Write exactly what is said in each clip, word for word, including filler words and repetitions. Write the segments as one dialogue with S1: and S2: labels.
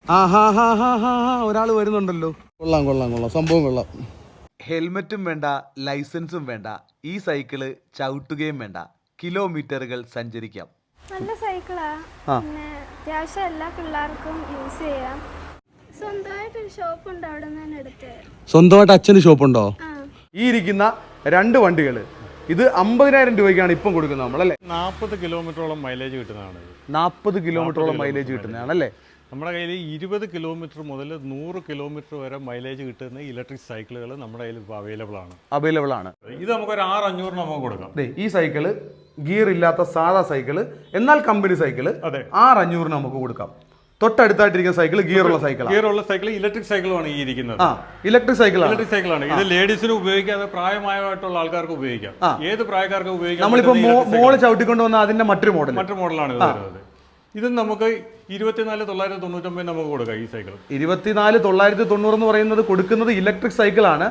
S1: ഒരാൾ വരുന്നുണ്ടല്ലോ. കൊള്ളാം കൊള്ളാം കൊള്ളാം, സംഭവം കൊള്ളാം. ഹെൽമെറ്റും വേണ്ട, ലൈസൻസും വേണ്ട, ഈ സൈക്കിള് ചവിട്ടുകയും വേണ്ട, കിലോമീറ്ററുകൾ സഞ്ചരിക്കാം.
S2: നല്ല സൈക്കിളാ. പിന്നെ അത്യാവശ്യം എല്ലാ പിള്ളേർക്കും യൂസ് ചെയ്യാം. സ്വന്തമായിട്ടൊരു ഷോപ്പ് ഉണ്ട്, അവിടെ നിന്ന് എടുത്ത്.
S1: സ്വന്തമായിട്ട് അച്ഛന് ഷോപ്പുണ്ടോ? ഈ ഇരിക്കുന്ന രണ്ട് വണ്ടികൾ ഇത് അമ്പതിനായിരം രൂപയ്ക്കാണ് ഇപ്പം കൊടുക്കുന്നത് നമ്മളല്ലേ.
S3: നാൽപ്പത് കിലോമീറ്ററോളം മൈലേജ് കിട്ടുന്നതാണ്.
S1: നാൽപ്പത് കിലോമീറ്ററോളം മൈലേജ് കിട്ടുന്നതാണല്ലേ.
S3: നമ്മുടെ കയ്യിൽ ഇരുപത് കിലോമീറ്റർ മുതൽ നൂറ് കിലോമീറ്റർ വരെ മൈലേജ് കിട്ടുന്ന ഇലക്ട്രിക് സൈക്കിളുകൾ നമ്മുടെ കയ്യിൽ ഇപ്പോൾ അവൈലബിൾ ആണ്
S1: അവൈലബിൾ ആണ്
S3: ഇത് നമുക്കൊരു ആറ് അഞ്ഞൂറിന് നമുക്ക് കൊടുക്കാം.
S1: ഈ സൈക്കിള് ഗിയർ ഇല്ലാത്ത സാധാ സൈക്കിള്, എന്നാൽ കമ്പനി സൈക്കിള് ആറ് അഞ്ഞൂറിന് നമുക്ക് കൊടുക്കാം. തൊട്ടടുത്തായിട്ടിരിക്കുന്ന സൈക്കിൾ ഗിയറുള്ള സൈക്കിൾ
S3: ഗിയറുള്ള സൈക്കിൾ ഇലക്ട്രിക് സൈക്കിളാണ് ഈ ഇരിക്കുന്നത്.
S1: ഇലക്ട്രിക് സൈക്കിൾ
S3: ഇലക്ട്രിക് സൈക്കിളാണ് ഇത്. ലേഡീസിന് ഉപയോഗിക്കാതെ പ്രായമായിട്ടുള്ള ആൾക്കാർക്ക് ഉപയോഗിക്കാം. ഏത് പ്രായക്കാർക്ക് ഉപയോഗിക്കാം.
S1: നമ്മളിപ്പോ മോള് ചവിട്ടിക്കൊണ്ട് വന്ന അതിന്റെ മറ്റൊരു മോഡൽ മറ്റൊരു
S3: മോഡലാണ് ഇത് വരുന്നത്. ഇത് നമുക്ക് ഇരുപത്തിനാല് തൊള്ളായിരത്തി തൊണ്ണൂറ്റൊമ്പത് നമുക്ക് കൊടുക്കാം ഈ സൈക്കിൾ.
S1: ഇരുപത്തിനാല് തൊള്ളായിരത്തി തൊണ്ണൂറ് എന്ന് പറയുന്നത് കൊടുക്കുന്നത് ഇലക്ട്രിക് സൈക്കിളാണ്.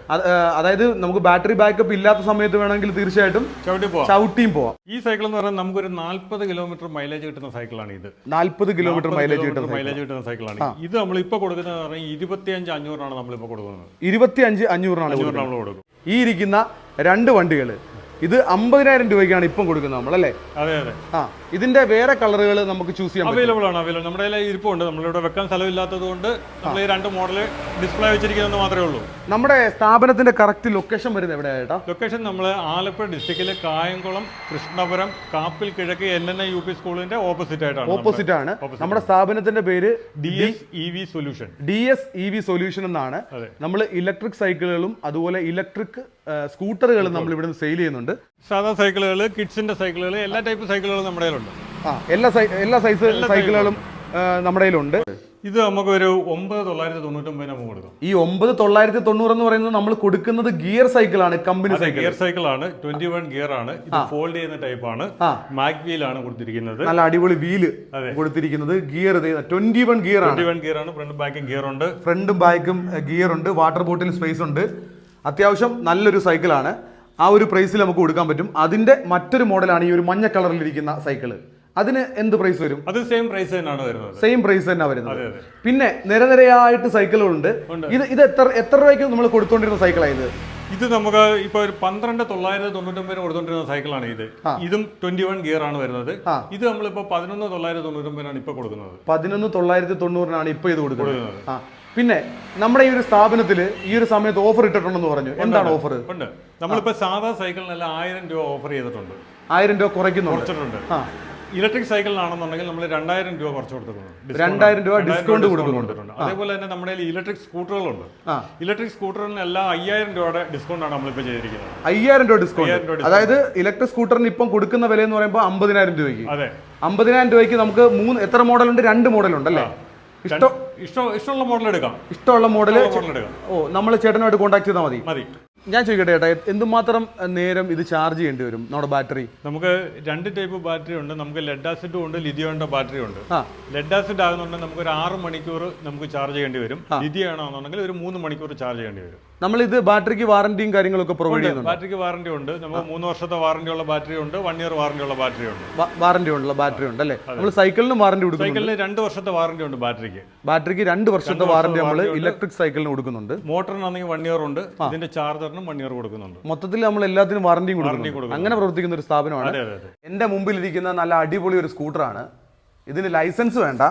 S1: അതായത് നമുക്ക് ബാറ്ററി ബാക്കപ്പ് ഇല്ലാത്ത സമയത്ത് വേണമെങ്കിൽ തീർച്ചയായിട്ടും ചവിട്ടി പോവാം ചവിട്ടിയും പോവാം.
S3: ഈ സൈക്കിൾ എന്ന് പറയുന്നത് നമുക്കൊരു നാല്പത് കിലോമീറ്റർ മൈലേജ് കിട്ടുന്ന സൈക്കിളാണ് ഇത്.
S1: നാല്പത് കിലോമീറ്റർ മൈലേജ് കിട്ടുന്ന
S3: മൈലേജ് കിട്ടുന്ന സൈക്കിളാണ് ഇത്. നമ്മളിപ്പോ കൊടുക്കുന്നത് പറഞ്ഞാൽ ഇരുപത്തിയഞ്ച് അഞ്ഞൂറാണ് നമ്മളിപ്പോ കൊടുക്കുന്നത്.
S1: ഇരുപത്തി അഞ്ച് അഞ്ഞൂറിനാണ്
S3: നമ്മൾ കൊടുക്കും.
S1: ഈ ഇരിക്കുന്ന രണ്ട് വണ്ടികൾ ഇത് അമ്പതിനായിരം രൂപയ്ക്കാണ് ഇപ്പം കൊടുക്കുന്നത് നമ്മളല്ലേ.
S3: അതെ അതെ.
S1: ആ ഇതിന്റെ വേറെ കളറുകൾ നമുക്ക് ചൂസ് ചെയ്യാം.
S3: അവൈലബിൾ ആണ്. അവൈലബിൾ നമ്മുടെ കയ്യിൽ ഇരിപ്പുണ്ട്. നമ്മളിവിടെ വെക്കാൻ സ്ഥലമില്ലാത്തത് കൊണ്ട് നമ്മൾ ഈ രണ്ട് മോഡൽ ഡിസ്പ്ലേ വെച്ചിരിക്കുന്നത് മാത്രമേ ഉള്ളൂ.
S1: നമ്മുടെ സ്ഥാപനത്തിന്റെ കറക്റ്റ് ലൊക്കേഷൻ വരുന്നത് എവിടെയായിട്ടാ?
S3: ലൊക്കേഷൻ നമ്മൾ ആലപ്പുഴ ഡിസ്ട്രിക്റ്റിലെ കായംകുളം കൃഷ്ണപുരം കാപ്പിൽ കിഴക്ക് N N I U P സ്കൂളിന്റെ ഓപ്പോസിറ്റ് ആയിട്ടാണ്.
S1: ഓപ്പോസിറ്റ് ആണ് നമ്മുടെ സ്ഥാപനത്തിന്റെ പേര്.
S3: D S E V solution.
S1: D S E V solution എന്നാണ്. നമ്മൾ ഇലക്ട്രിക് സൈക്കിളുകളും അതുപോലെ ഇലക്ട്രിക് സ്കൂട്ടറുകളും നമ്മൾ ഇവിടുന്ന് സെയിൽ ചെയ്യുന്നുണ്ട്.
S3: സാധാ സൈക്കിളുകൾ, കിഡ്സിന്റെ സൈക്കിളുകൾ, എല്ലാ ടൈപ്പ് സൈക്കിളുകളും നമ്മുടെ കയ്യിലുണ്ട്.
S1: ആ എല്ലാ എല്ലാ സൈസ് സൈക്കിളുകളും നമ്മുടെ കയ്യിലുണ്ട്.
S3: ഇത് നമുക്ക് ഒരു ഒമ്പത് തൊള്ളായിരത്തി തൊണ്ണൂറ്റൊമ്പത് നമുക്ക് കൊടുക്കും.
S1: ഈ ഒമ്പത് തൊള്ളായിരത്തി തൊണ്ണൂറ് എന്ന് പറയുന്നത് നമ്മൾ കൊടുക്കുന്നത് ഗിയർ സൈക്കിളാണ്, കമ്പനി സൈക്കിൾ.
S3: ഗിയർ സൈക്കിളാണ്, ട്വന്റി വൺ ഗിയർ ആണ്. ഇത് ഫോൾഡ് ചെയ്യുന്ന ടൈപ്പ് ആണ്. മാക് വീൽ ആണ് കൊടുത്തിരിക്കുന്നത്.
S1: നല്ല അടിപൊളി വീല് കൊടുത്തിരിക്കുന്നത്. ഗിയർ ട്വന്റി വൺ ഗിയർ ആണ്.
S3: ട്വന്റി വൺ ഗിയർ ആണ്. ഫ്രണ്ടും ബാക്കും ഗിയർ ഉണ്ട്.
S1: ഫ്രണ്ടും ബാക്കും ഗിയർ ഉണ്ട്. വാട്ടർ ബോട്ടിൽ സ്പേസ് ഉണ്ട്. അത്യാവശ്യം നല്ലൊരു സൈക്കിളാണ്. ആ ഒരു പ്രൈസിൽ നമുക്ക് കൊടുക്കാൻ പറ്റും. അതിന്റെ മറ്റൊരു മോഡലാണ് ഈ ഒരു മഞ്ഞ കളറിലിരിക്കുന്ന സൈക്കിള്. അതിന് എന്ത് പ്രൈസ് വരും?
S3: അത് സെയിം പ്രൈസ് തന്നെയാണ് വരുന്നത്.
S1: സെയിം പ്രൈസ് തന്നെ വരുന്നത്. പിന്നെ നിരനിരയായിട്ട് സൈക്കിളുകളുണ്ട്. ഇത് ഇത് എത്ര എത്ര രൂപയ്ക്ക് നമ്മൾ കൊടുത്തോണ്ടിരുന്ന സൈക്കിളാണ് ഇത്?
S3: ഇത് നമുക്ക് ഇപ്പൊ ഒരു പന്ത്രണ്ട് തൊള്ളായിരത്തി തൊണ്ണൂറ്റൊമ്പതിന് കൊടുത്തോണ്ടിരുന്ന സൈക്കിളാണ് ഇത്. ഇതും ട്വന്റി വൺ ഗിയർ ആണ് വരുന്നത്. ഇത് നമ്മളിപ്പോ പതിനൊന്ന് തൊള്ളായിരത്തി തൊണ്ണൂറ്റൊമ്പതിനാണ് ഇപ്പൊ കൊടുക്കുന്നത്.
S1: പതിനൊന്ന് തൊള്ളായിരത്തി തൊണ്ണൂറിനാണ് ഇപ്പൊ ഇത് കൊടുക്കുന്നത്. പിന്നെ നമ്മുടെ ഈ ഒരു സ്ഥാപനത്തിൽ ഈ ഒരു സമയത്ത് ഓഫർ ഇട്ടിട്ടുണ്ടെന്ന് പറഞ്ഞു. എന്താണ് ഓഫർ?
S3: ഉണ്ട്. നമ്മളിപ്പോ സാധാ സൈക്കിളിനെല്ലാം ആയിരം രൂപ ഓഫർ ചെയ്തിട്ടുണ്ട്.
S1: ആയിരം രൂപ കുറയ്ക്കുന്നു
S3: കുറച്ചിട്ടുണ്ട്. ഇലക്ട്രിക് സൈക്കിളിനാണെന്നുണ്ടെങ്കിൽ നമ്മൾ രണ്ടായിരം രൂപ കുറച്ച് കൊടുത്തിട്ടുണ്ട്.
S1: രണ്ടായിരം രൂപ ഡിസ്കൗണ്ട് കൊടുക്കുന്നുണ്ട്.
S3: അതേപോലെ തന്നെ നമ്മുടെ ഇലക്ട്രിക് സ്കൂട്ടറുകളുണ്ട്. ഇലക്ട്രിക് സ്കൂട്ടറിന് എല്ലാം അയ്യായിരം രൂപയുടെ ഡിസ്കൗണ്ട് ആണ് നമ്മളിപ്പോൾ ചെയ്തിരിക്കുന്നത്.
S1: അയ്യായിരം രൂപ ഡിസ്കൗണ്ട്. അതായത് ഇലക്ട്രിക് സ്കൂട്ടറിന് ഇപ്പം കൊടുക്കുന്ന വില എന്ന് പറയുമ്പോൾ അമ്പതിനായിരം രൂപയ്ക്ക്.
S3: അതെ,
S1: അമ്പതിനായിരം രൂപയ്ക്ക് നമുക്ക് മൂന്ന് എത്ര മോഡലുണ്ട്? രണ്ട് മോഡലുണ്ട് അല്ലേ?
S3: ഇഷ്ടം ഇഷ്ടമുള്ള മോഡൽ എടുക്കാം.
S1: ഇഷ്ടമുള്ള മോഡൽ
S3: എടുക്കാം.
S1: ഓ, നമ്മൾ ചേട്ടനുമായിട്ട് കോൺടാക്ട് ചെയ്താൽ മതി.
S3: മതി.
S1: ഞാൻ ചോദിക്കട്ടെ ചേട്ടാ, എന്തുമാത്രം നേരം ഇത് ചാർജ് ചെയ്യേണ്ടി വരും നമ്മുടെ ബാറ്ററി?
S3: നമുക്ക് രണ്ട് ടൈപ്പ് ബാറ്ററി ഉണ്ട്. നമുക്ക് ലെഡ് ആസിഡും ഉണ്ട്, ലിഥിയോണിന്റെ ബാറ്ററി ഉണ്ട്. ലെഡ് ആസിഡ് ആകുന്നുണ്ടെങ്കിൽ നമുക്ക് ഒരു ആറ് മണിക്കൂർ നമുക്ക് ചാർജ് ചെയ്യേണ്ടി വരും. ലിഥിയം ആണെന്നുണ്ടെങ്കിൽ ഒരു മൂന്ന് മണിക്കൂർ ചാർജ് ചെയ്യേണ്ടി വരും.
S1: നമ്മൾ ഇത് ബാറ്ററിക്ക് വാറന്റിയും കാര്യങ്ങളൊക്കെ പ്രൊവൈഡ് ചെയ്യുന്നുണ്ട്.
S3: ബാറ്ററിക്ക് വാറന്റി ഉണ്ട്. നമുക്ക് മൂന്ന് വർഷത്തെ വാറന്റി ഉള്ള ബാറ്ററി ഉണ്ട്, വൺ ഇയർ വാറന്റി ഉള്ള ബാറ്ററി ഉണ്ട്.
S1: വാറന്റി ഉള്ള ബാറ്ററി ഉണ്ട് അല്ലേ? നമ്മൾ സൈക്കിളിനും വാറന്റി കൊടുക്കും.
S3: സൈക്കിളിന് രണ്ട് വർഷത്തെ വാറന്റി ഉണ്ട്. ബാറ്ററിക്ക്
S1: ബാറ്ററിക്ക് രണ്ട് വർഷത്തെ വാറന്റി നമ്മൾ ഇലക്ട്രിക് സൈക്കിളിന് കൊടുക്കുന്നുണ്ട്.
S3: മോട്ടറിനാണെങ്കിൽ വൺ ഇയർ ഉണ്ട്. ഇതിന്റെ ചാർജറിനും വൺ ഇയർ കൊടുക്കുന്നുണ്ട്.
S1: മൊത്തത്തിൽ നമ്മൾ എല്ലാത്തിനും വാറന്റിയും കൊടുക്കും. അങ്ങനെ പ്രവർത്തിക്കുന്ന ഒരു സ്ഥാപനമാണ്. എന്റെ മുമ്പിലിരിക്കുന്ന നല്ല അടിപൊളി ഒരു സ്കൂട്ടറാണ്. ഇതിന് ലൈസൻസ് വേണ്ട,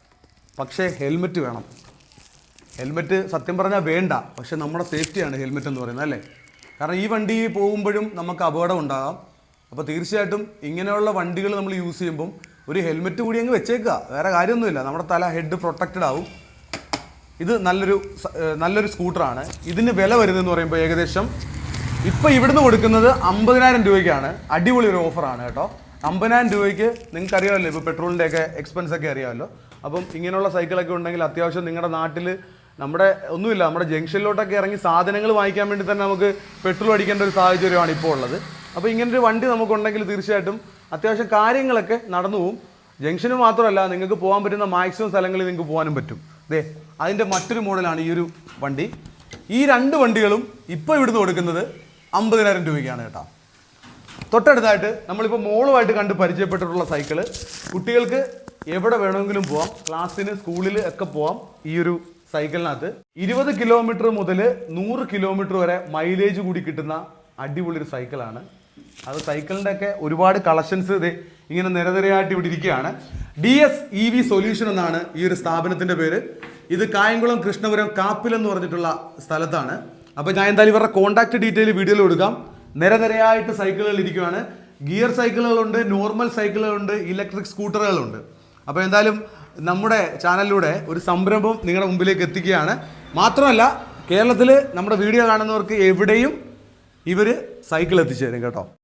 S1: പക്ഷേ ഹെൽമെറ്റ് വേണം. ഹെൽമെറ്റ് സത്യം പറഞ്ഞാൽ വേണ്ട, പക്ഷെ നമ്മുടെ സേഫ്റ്റിയാണ് ഹെൽമെറ്റ് എന്ന് പറയുന്നത് അല്ലേ? കാരണം ഈ വണ്ടി പോകുമ്പോഴും നമുക്ക് അപകടം ഉണ്ടാകാം. അപ്പോൾ തീർച്ചയായിട്ടും ഇങ്ങനെയുള്ള വണ്ടികൾ നമ്മൾ യൂസ് ചെയ്യുമ്പം ഒരു ഹെൽമെറ്റ് കൂടി അങ്ങ് വെച്ചേക്കുക. വേറെ കാര്യമൊന്നുമില്ല, നമ്മുടെ തല ഹെഡ് പ്രൊട്ടക്റ്റഡ് ആവും. ഇത് നല്ലൊരു നല്ലൊരു സ്കൂട്ടറാണ്. ഇതിന് വില വരുന്നതെന്ന് പറയുമ്പോൾ ഏകദേശം ഇപ്പോൾ ഇവിടുന്ന് കൊടുക്കുന്നത് അമ്പതിനായിരം രൂപയ്ക്കാണ്. അടിപൊളി ഒരു ഓഫറാണ് കേട്ടോ. അമ്പതിനായിരം രൂപയ്ക്ക് നിങ്ങൾക്ക് അറിയാമല്ലോ, ഇപ്പോൾ പെട്രോളിൻ്റെ ഒക്കെ എക്സ്പെൻസ് ഒക്കെ അറിയാമല്ലോ. അപ്പം ഇങ്ങനെയുള്ള സൈക്കിളൊക്കെ ഉണ്ടെങ്കിൽ അത്യാവശ്യം നിങ്ങളുടെ നാട്ടിൽ നമ്മുടെ ഒന്നുമില്ല, നമ്മുടെ ജംഗ്ഷനിലോട്ടൊക്കെ ഇറങ്ങി സാധനങ്ങൾ വാങ്ങിക്കാൻ വേണ്ടി തന്നെ നമുക്ക് പെട്രോൾ അടിക്കേണ്ട ഒരു സാഹചര്യമാണ് ഇപ്പോൾ ഉള്ളത്. അപ്പോൾ ഇങ്ങനൊരു വണ്ടി നമുക്കുണ്ടെങ്കിൽ തീർച്ചയായിട്ടും അത്യാവശ്യം കാര്യങ്ങളൊക്കെ നടന്നു പോകും. ജംഗ്ഷന് മാത്രമല്ല, നിങ്ങൾക്ക് പോകാൻ പറ്റുന്ന മാക്സിമം സ്ഥലങ്ങളിൽ നിങ്ങൾക്ക് പോകാനും പറ്റും. ദേ അതിൻ്റെ മറ്റൊരു മോഡലാണ് ഈ ഒരു വണ്ടി. ഈ രണ്ട് വണ്ടികളും ഇപ്പോൾ ഇവിടുന്ന് കൊടുക്കുന്നത് അമ്പതിനായിരം രൂപയ്ക്കാണ് കേട്ടോ. തൊട്ടടുത്തായിട്ട് നമ്മളിപ്പോൾ മോളുമായിട്ട് കണ്ട് പരിചയപ്പെട്ടിട്ടുള്ള സൈക്കിള് കുട്ടികൾക്ക് എവിടെ വേണമെങ്കിലും പോവാം, ക്ലാസ്സിന് സ്കൂളിൽ ഒക്കെ പോവാം ഈ ഒരു സൈക്കിളിനകത്ത്. ഇരുപത് കിലോമീറ്റർ മുതൽ നൂറ് കിലോമീറ്റർ വരെ മൈലേജ് കൂടി കിട്ടുന്ന അടിപൊളി ഒരു സൈക്കിളാണ്. അത് സൈക്കിളിൻ്റെ ഒക്കെ ഒരുപാട് കളക്ഷൻസ് ഇത് ഇങ്ങനെ നിരനിരയായിട്ട് ഇവിടെ ഇരിക്കുകയാണ്. D S E V solution എന്നാണ് ഈ ഒരു സ്ഥാപനത്തിൻ്റെ പേര്. ഇത് കായംകുളം കൃഷ്ണപുരം കാപ്പിൽ എന്ന് പറഞ്ഞിട്ടുള്ള സ്ഥലത്താണ്. അപ്പോൾ ഞാൻ എന്തായാലും ഇവരുടെ കോൺടാക്ട് ഡീറ്റെയിൽ വീഡിയോയിൽ കൊടുക്കാം. നിരനിരയായിട്ട് സൈക്കിളുകൾ ഇരിക്കുകയാണ്. ഗിയർ സൈക്കിളുകളുണ്ട്, നോർമൽ സൈക്കിളുകളുണ്ട്, ഇലക്ട്രിക് സ്കൂട്ടറുകളുണ്ട്. അപ്പോൾ എന്തായാലും നമ്മുടെ ചാനലിലൂടെ ഒരു സംരംഭം നിങ്ങളുടെ മുമ്പിലേക്ക് എത്തിക്കുകയാണ്. മാത്രമല്ല കേരളത്തിൽ നമ്മുടെ വീഡിയോ കാണുന്നവർക്ക് എവിടെയും ഇവർ സൈക്കിൾ എത്തിച്ചു തരും കേട്ടോ.